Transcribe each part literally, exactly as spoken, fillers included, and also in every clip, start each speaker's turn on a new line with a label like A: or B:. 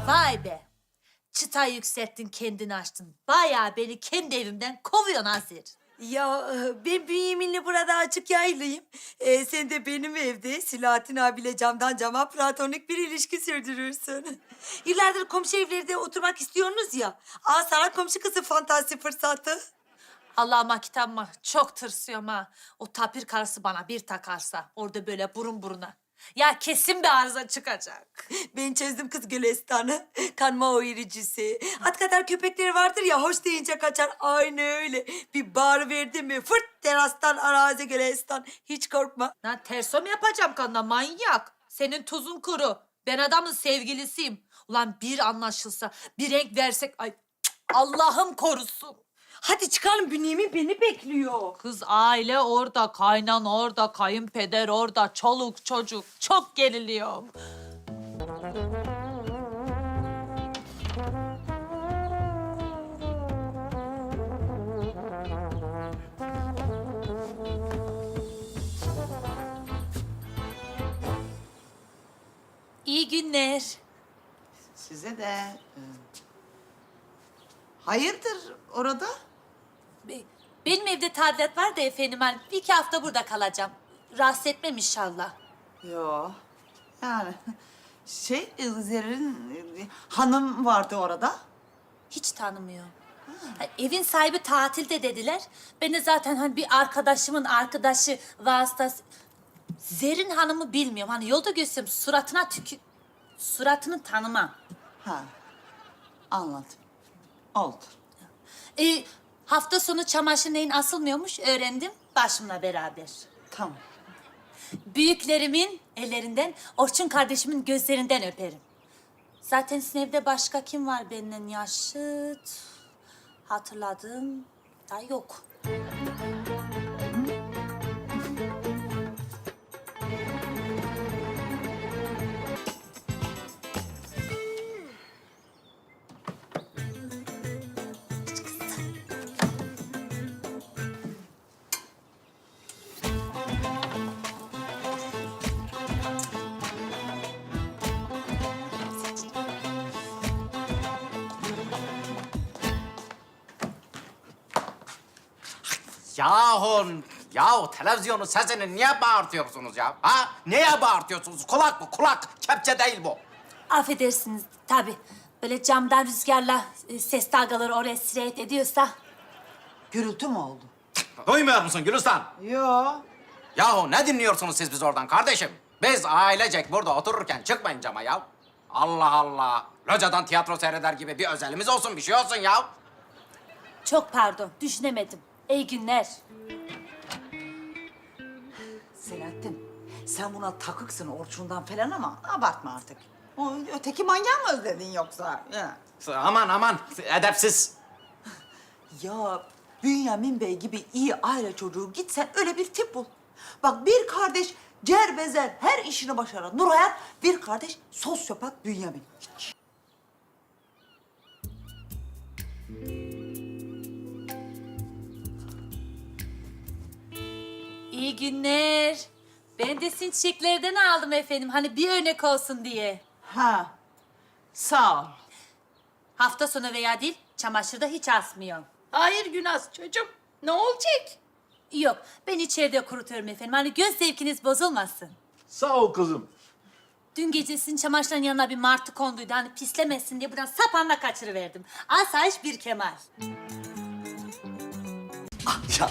A: Vay be. Çıta yükselttin, kendini açtın. Bayağı beni kendi evimden kovuyorsun Azir.
B: Ya e, ben Bünyamin'le burada açık yaylıyım. Ee, sen de benim evde Silahattin abiyle camdan cama platonik bir ilişki sürdürürsün. Yıllardır komşu evlerde oturmak istiyorsunuz ya. Aa sana komşu kızı fantezi fırsatı.
A: Allah'ıma kitabıma çok tırsıyorum ha. O tapir karısı bana bir takarsa orada böyle burun buruna. Ya kesin bir arıza çıkacak.
B: Ben çözdüm kız Gülistan'ı. Kanma o iricisi. At kadar köpekleri vardır ya hoş deyince kaçar. Aynı öyle. Bir bağır verdi mi fırt terastan arazi Gülistan. Hiç korkma.
A: Lan terso mu yapacağım kanına manyak? Senin tuzun kuru. Ben adamın sevgilisiyim. Ulan bir anlaşılsa, bir renk versek... Ay cık, Allah'ım korusun.
B: Hadi çıkalım Bünyamin beni bekliyor.
A: Kız aile orada, kaynan orada, kayınpeder orada, çoluk çocuk. Çok geriliyorum. İyi günler.
C: Size de. e, Hayırdır orada?
A: Be- Benim evde tadilat var da efendim. Ben bir iki hafta burada kalacağım. Rahatsız etmem inşallah.
C: Yo. Yani şey e, Zerrin e, hanım vardı orada.
A: Hiç tanımıyorum. Ha, evin sahibi tatilde dediler. Ben de zaten hani bir arkadaşımın arkadaşı vasıtası... Zerrin Hanım'ı bilmiyorum. Hani yolda görsem suratına tükü... Suratını tanımam.
C: Ha. Anladım. Oldu.
A: Ee, hafta sonu çamaşır neyin asılmıyormuş öğrendim başımla beraber.
C: Tamam.
A: Büyüklerimin ellerinden, Orçun kardeşimin gözlerinden öperim. Zaten sizin evde başka kim var benden yaşıt? Hatırladığım da yok.
D: Yahu, yahu televizyonun sesini niye bağırtıyorsunuz ya? Ha? Neye bağırtıyorsunuz? Kulak bu, kulak. Kepçe değil bu.
A: Affedersiniz tabii. Böyle camdan rüzgarla e, ses dalgaları oraya sirayet ediyorsa...
C: Gürültü mü oldu?
D: Duymuyor musun Gülistan?
C: Yo.
D: Yahu ne dinliyorsunuz siz biz oradan kardeşim? Biz ailecek burada otururken çıkmayın cama ya. Allah Allah. Locadan tiyatro seyreder gibi bir özelimiz olsun, bir şey olsun ya.
A: Çok pardon, düşünemedim. İyi günler.
C: Selahattin, sen buna takıksın Orçun'dan falan ama abartma artık. O öteki manyağı mı özledin yoksa? Ya.
D: Aman aman, edepsiz.
C: Ya Bünyamin Bey gibi iyi aile çocuğu gitsen öyle bir tip bul. Bak bir kardeş cerbezer her işini başaran Nurhayat, bir kardeş sosyopat Bünyamin.
A: İyi günler. Ben de sizin çiçeklerden aldım efendim. Hani bir örnek olsun diye.
C: Ha, sağ ol.
A: Hafta sonu veya değil, çamaşırda hiç asmıyorum.
E: Hayır Günaz çocuğum. Ne olacak?
A: Yok, ben içeride kurutuyorum efendim. Hani göz zevkiniz bozulmasın.
F: Sağ ol kızım.
A: Dün gece sizin çamaşırların yanına bir martı konduydu. Hani pislemesin diye buradan sapanla kaçırıverdim. Asayiş bir kemal.
D: Ya,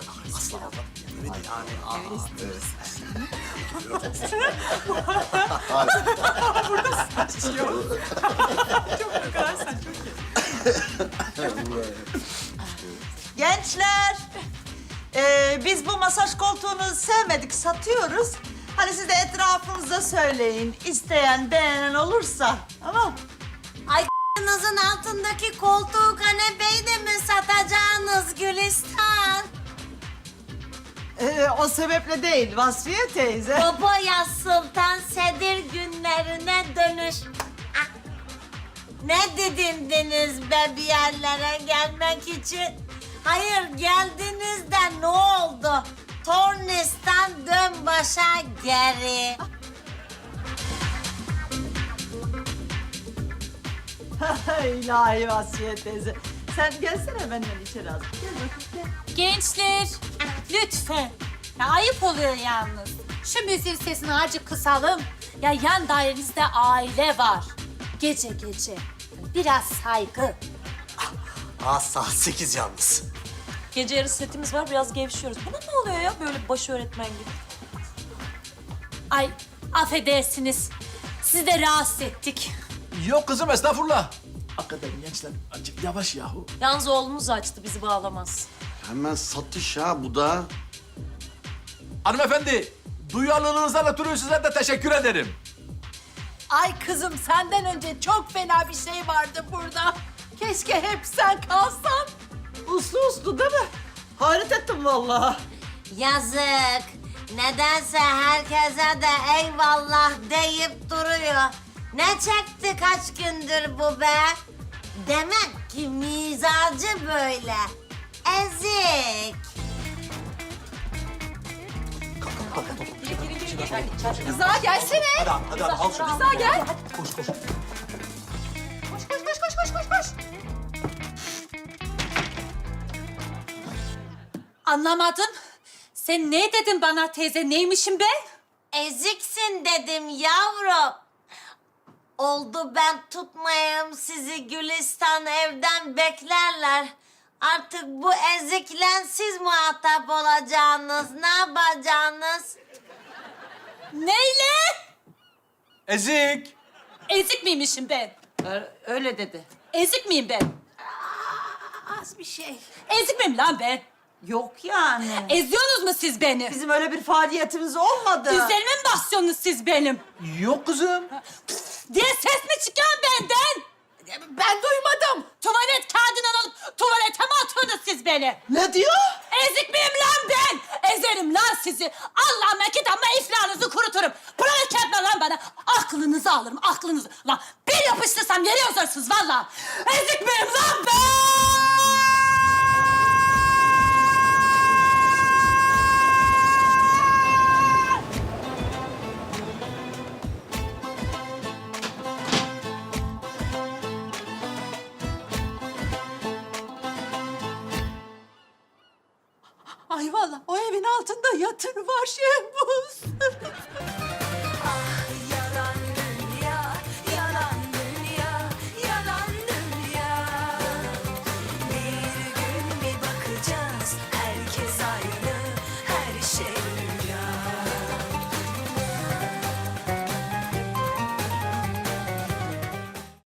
C: Gençler, ee, biz bu masaj koltuğunu sevmedik, satıyoruz. Hani siz de etrafınıza söyleyin, isteyen, beğenen olursa. Tamam.
G: Ay k***nızın altındaki koltuğu kanepeyi de mi satacaksınız Gülistan?
C: Ee, o sebeple değil Vasfiye teyze.
G: Babaya Sultan Sedir günlerine dönüş. Ah! Ne didindiniz be bir yerlere gelmek için? Hayır geldiniz de ne oldu? Tornistan dön başa geri.
C: İlahi Asiye teyze. Sen gelsene benden içeri az. Gel bakayım gel.
A: Gençler, lütfen. Ya ayıp oluyor yalnız. Şu müziğin sesini azıcık kısalım. Ya yan dairenizde aile var. Gece gece. Biraz saygı.
F: Aa, saat sekiz yalnız.
H: Gece yarısı setimiz var, biraz gevşiyoruz. Buna ne oluyor ya böyle baş öğretmen gibi?
A: Ay, affedersiniz. Sizi de rahatsız ettik.
I: Yok kızım estağfurullah. Hakikaten gençler acık yavaş yahu.
H: Yalnız oğlumuz açtı, bizi bağlamaz.
F: Hemen satış ha bu da.
I: Hanımefendi, duyarlılığınızdan ötürü size de teşekkür ederim.
E: Ay kızım senden önce çok fena bir şey vardı burada. Keşke hep sen kalsan.
C: Uslu uslu değil mi? Hayret ettim vallahi.
G: Yazık. Nedense herkese de eyvallah deyip duruyor. Ne çekti kaç gündür bu be? Demek ki mizacı böyle. Ezik.
E: Rıza gelsene.
F: Hadi hadi, hadi al şunu.
E: Rıza gel.
F: Koş koş.
E: Koş koş koş koş koş koş koş.
A: Anlamadım. Sen ne dedin bana teyze? Neymişim ben?
G: Eziksin dedim yavrum. Oldu ben tutmayayım sizi Gülistan evden beklerler. Artık bu ezikle siz muhatap olacaksınız. Ne yapacaksınız?
A: Neyle?
I: Ezik.
A: Ezik miymişim ben?
C: Öyle dedi.
A: Ezik miyim ben?
E: Az bir şey.
A: Ezik miyim lan ben?
C: Yok yani.
A: Eziyorsunuz mu siz beni?
C: Bizim öyle bir faaliyetimiz olmadı.
A: Üzerime mi basıyorsunuz siz benim?
I: Yok kızım.
A: Diye ses mi çıkıyor benden?
E: Ben duymadım.
A: Tuvalet kağıdından alıp tuvalete mi atıyorsunuz siz beni?
C: Ne diyor?
A: Ezik miyim lan ben? Ezerim lan sizi. Allah'ıma kitabıma iflahınızı kuruturum. Pratik etme lan bana. Aklınızı alırım, aklınızı. Lan bir yapıştırsam yere yazarsınız vallahi. Ezik miyim lan ben?
E: Ay vallahi o evin altında yatır var Şehmuz.